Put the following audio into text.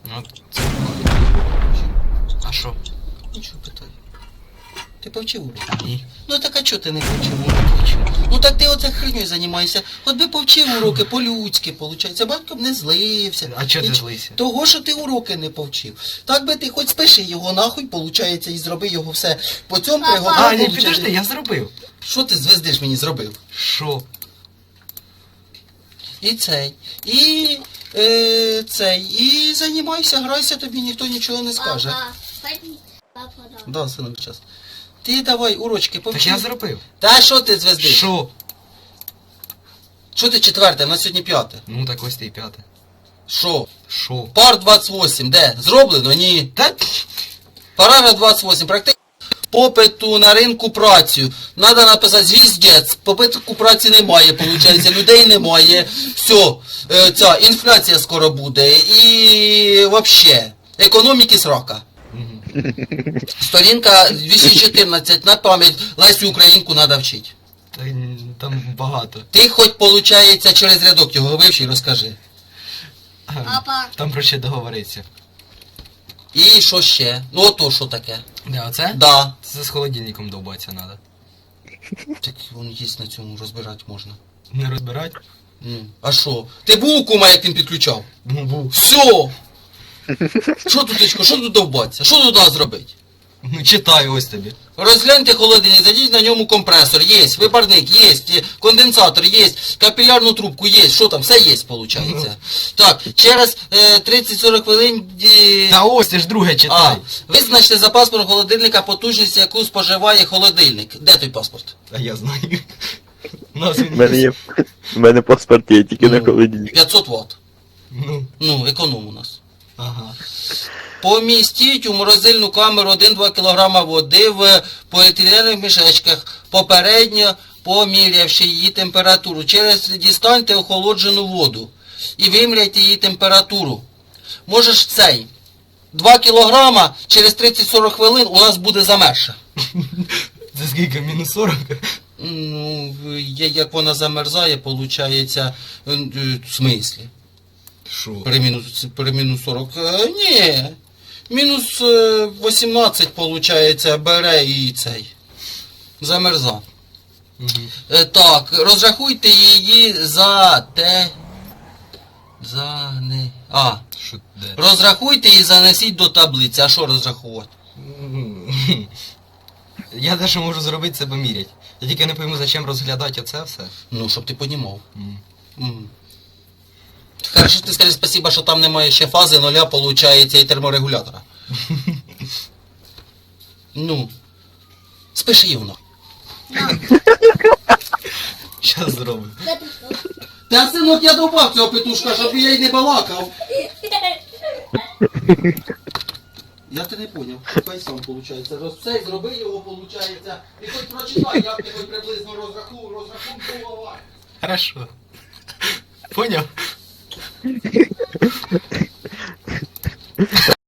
Ну, це... А що? Нічого питаю. Ти повчив уроки? Ні. Ну так а чого ти не повчив уроки? Ну так ти оце хреню займаєшся. От би повчив уроки по-людськи, виходить. Батько б не злився. А чого ти злився? Того, що ти уроки не повчив. Так би ти хоч спиши його нахуй, виходить, і зроби його все по цьому пригоду. А, ні, підожди, я зробив. Що ти звездиш мені зробив? Що? І цей, і займайся, грайся, тобі ніхто нічого не скаже. Папа, Да, синок, час. Ти давай урочки повчи. Так я зробив. Та що ти звездиш? Що? Що ти четверте, на сьогодні п'яте? Ну так ось ти і п'яте. Що? Що? Пар 28, де? Зроблено? Ні. Та... Параграф 28, практично попиту на ринку працю. Надо написати звіздець, попиту праці немає, виходить, людей немає. Все, ця інфляція скоро буде. І вообще, економіки срока. Сторінка 214, на пам'ять, Лесю Українку треба вчити. Та, там багато. Ти хоч, виходить, через рядок його вивчи і розкажи. Папа. Там про ще договориться. І що ще? Ну ото що таке? Де, оце? Да. Це з холодильником довбатися треба. Так він є на цьому, розбирати можна. Не розбирать? Ну, а що? Ти був у кума, як він підключав? Ну, був. Все! Що тут, дочко, що тут довбатися? Що тут треба зробити? Ну, читаю ось тобі. Розгляньте холодильник, зайдіть на ньому компресор, є, випарник, є, конденсатор, є, капілярну трубку, є, що там, все є, виходить. Так, через 30-40 хвилин... Та ось, ти ж друге читай. Визначте за паспортом холодильника потужність, яку споживає холодильник. Де той паспорт? А я знаю. У нас він У мене є. У мене паспорт є, тільки на холодильник. 500 Вт. Ну, Ну, економ у нас. ага. Помістіть у морозильну камеру 1-2 кг води в поліетиленових мішечках, попередньо помірявши її температуру. Через дістаньте охолоджену воду і виміряйте її температуру. Можеш цей. 2 кг через 30-40 хвилин у нас буде замерша. Це скільки? Мінус 40? Ну, як вона замерзає, виходить, в смислі? Що? При мінус 40. Ні. Мінус 18, виходить, бере і цей. Замерза. Угу. Так, розрахуйте її за те. Що де? Розрахуйте і занесіть до таблиці. А що розрахувати? Я те, що можу зробити, це поміряти. Я тільки не пойму, зачем розглядати оце все. Ну, щоб ти понімав. М. Хорошо, ти скажи спасибо, що там немає ще фази нуля, виходить, і терморегулятора. Ну. Спиши його нахуй. Щас зроблю. Та, синок, я добав цього петушка, щоб я й не балакав. Я те не поняв. Хай сам, виходить. Все, зроби його, виходить. І хоч прочитай, як ти хоч приблизно розрахункував. Хорошо. Поняв?